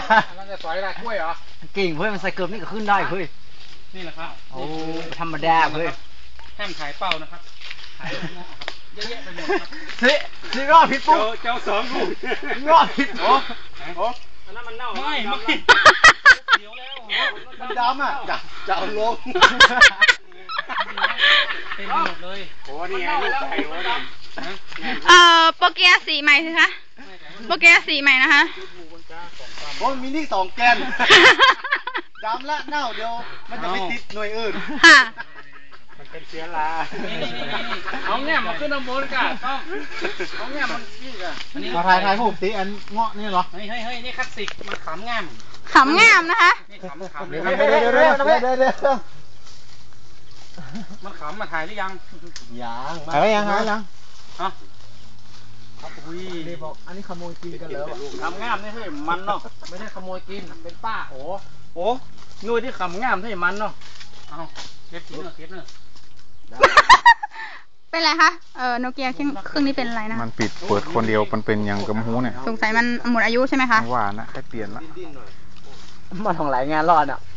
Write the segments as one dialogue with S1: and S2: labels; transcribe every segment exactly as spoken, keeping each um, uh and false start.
S1: มันจะสอยได้กล้วยเหรอ
S2: เก่งเพื่อนมันใส่เกือบนี่ก็ขึ้นได้เพื่อน
S1: นี่แหละครับ
S2: โอ้ธรรมดาเพื่อน
S1: แห้มถ่ายเป้านะครับถ่ายงอกครับเยอะแยะไปหมดครับ
S2: สิสิรอบผิดปุ๊บ
S1: เจ้าสองลูก
S2: รอบผิดโอ้โอ้
S1: อันนั้นมันเน่าไม่ไม่เดี๋ยวแล้ว
S2: มันดำอ่ะจะจะเอาลง
S1: เต็มหมดเลยโอ้นี่ไงลูกไก่โอ้ดำ
S3: เอ่อโปเกียสีใหม่สิคะโปเกียสีใหม่นะคะ
S2: โอ้มินิสองแกนดำละเน่าเดียวมันจะไม่ติดหน่วยอื่น
S3: ค่ะ
S2: มันเป็นเชื้อรา
S1: เอาแง่มาขึ้นน้ำมันกันต้องเอาแง่มันนี่กัน
S2: มาถ่ายถ่ายผมตีอันเงาะนี่เหรอ
S1: เฮ้ยเฮ้ยเฮ้ยนี่คลาสสิกมันขำแง่ม
S3: ขำแง่มนะคะ
S1: นี่ขำขำ
S2: เดี๋ยวเดี๋ยวเดี๋ยวเดี๋ยวเดี๋ยวเดี๋ยว
S1: มันขำมาถ่ายหรือยัง
S2: ยังถ่ายยังถ่ายยัง
S1: ฮะอุ้ย
S2: เดี๋ยวบอกอันนี้ขโมยกินกันแล้ว
S1: ขำแง่มนี่เฮ้ยมันเนาะไม่ใช่ขโมยกินเป็นป้าโอ้โอ้นู่นที่ขำแง่มเฮ้ยมันเนาะเอาเก็บกินเนาะเก็บเนาะ
S3: เป็นไรคะเออโนเกียเครื่องเครื่องนี้เป็นอะไรนะ
S4: มันปิดเปิดคนเดียวมันเป็นยังกระหูเนี่ย
S3: สงสัยมันหมดอายุใช่ไหมคะ
S4: ว่านะให้เปลี่ยนละ
S2: มาทำหลายงานรอดอ่ะ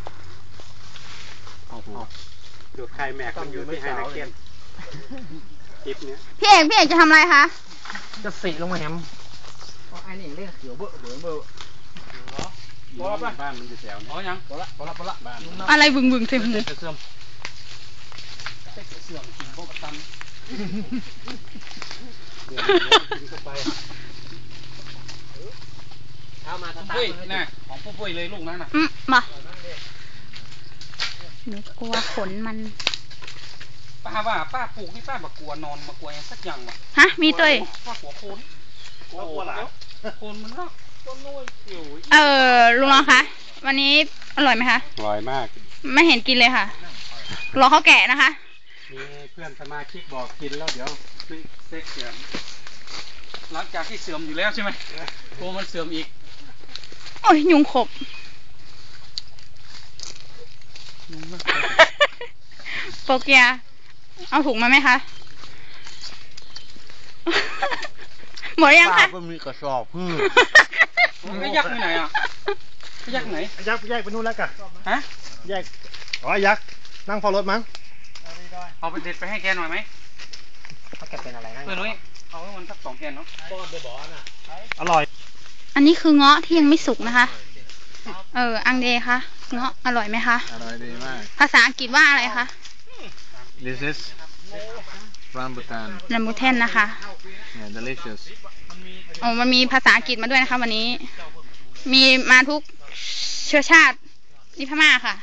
S1: ดูใครแม็กมันอยู่ที่ไฮนักเก็ตคลิปนี้
S3: พี่เอกพี่เอกจะทำอะไรคะ
S2: จะสีลงมาแฮมไอ้นี่เล่นเขียวเบอะเบอะเบอะ
S1: บอลบ้านมันอยู่แถวนี้อ๋อยังบอลละบอลละบอลละบ้าน
S3: อะไรบึงบึงเต็มเลย
S1: เสื่อมเสื่อมกินพวกตันกินเข้าไปเอามาตาปุ้ยน่ะของปุ้ยปุ้ยเลยลูกนั้นน่ะ
S3: อืมมาหนูกลัวขนมัน
S1: ป้าว่าป้าปลูกนี่ป้าบักกลัวนอนมากลัวยังสักอย่างวะ
S3: ฮะมีตัว
S1: ป้ากลัวโคนกลัวหลาโคนมันเนาะต้นน้อยเขียว
S3: เออลุงน้องคะวันนี้อร่อยไหมคะ
S4: อร่อยมาก
S3: ไม่เห็นกินเลยค่ะรอเขาแกะนะคะ
S1: มีเพื่อนสมาชิกบอกกินแล้วเดี๋ยวไม่เซ็กเสื่อมหลังจากที่เสื่อมอยู่แล้วใช่ไหมกลัวมันเสื่อมอีก
S3: โอ้ยยุงขบโปเกียเอาถุงมาไหมคะหมดยังคะ
S2: ก็มีกระสอบพืช
S1: ไอ้ยักษ์ที่ไหนอ่ะไอ้ยักษ์ไหน
S2: ยักษ์แยกไปนู่นแล้วกัน
S1: ฮะ
S2: แยกอ๋อยักษ์นั่งเฝ้ารถมั้ง
S1: เอาไปเด็ดไปให้แกหน่อยไหม
S2: เขาแกเป็นอะไรนะ
S1: เพื่อนนุ้ยเอาให้มันสักสองแกนเนาะบอลเดบอลน่ะ
S2: อร่อย
S3: อันนี้คือเงาะที่ยังไม่สุกนะคะเอออังเดคะเงาะอร่อยไหมคะ
S4: อร่อยดีมาก
S3: ภาษาอังกฤษว่าอะไรคะ
S4: This is rambutan
S3: ลัมบูเทนนะคะ
S4: yeah delicious
S3: โอ้มันมีภาษาอังกฤษมาด้วยนะคะวันนี้มีมาทุกเชื้อชาตินี่พม่าค่ะ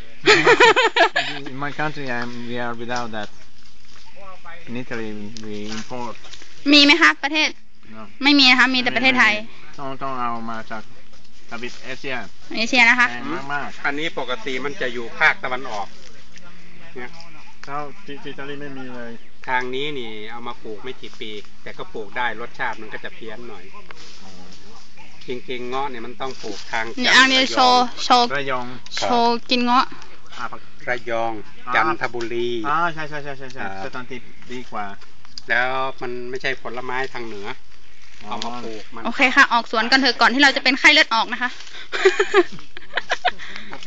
S4: In my country I'm, we are without that in Italy we import
S3: มีไหมคะประเทศ
S4: no.
S3: ไม่มีนะคะมีแต่ประเทศไทย
S4: ต้องต้องเอามาจากทวีปเอเชีย
S3: เอเชียนะคะ
S4: มาก
S1: ๆอันนี้ปกติมันจะอยู่ภาคตะวันออกเนี่ย
S4: เท่าที่อิตาลีไม่มีเลย
S1: ทางนี้นี่เอามาปลูกไม่กี่ปีแต่ก็ปลูกได้รสชาติมันก็จะเพี้ยนหน่อยจริงๆเงาะเนี่ยมันต้องปลูกทาง
S3: เนี่ยอันนี้โชว์โชว์
S4: ระยอง
S3: โชว์กินเงาะ
S1: ระยองจันทบุรี
S4: อ่าใช่ใช่ใช่ใช่ใช่สถานที่ดีกว่า
S1: แล้วมันไม่ใช่ผลไม้ทางเหนือเอามาปลูกมัน
S3: โอเคค่ะออกสวนกันเถอะก่อนที่เราจะเป็นไข้เลือดออกนะคะ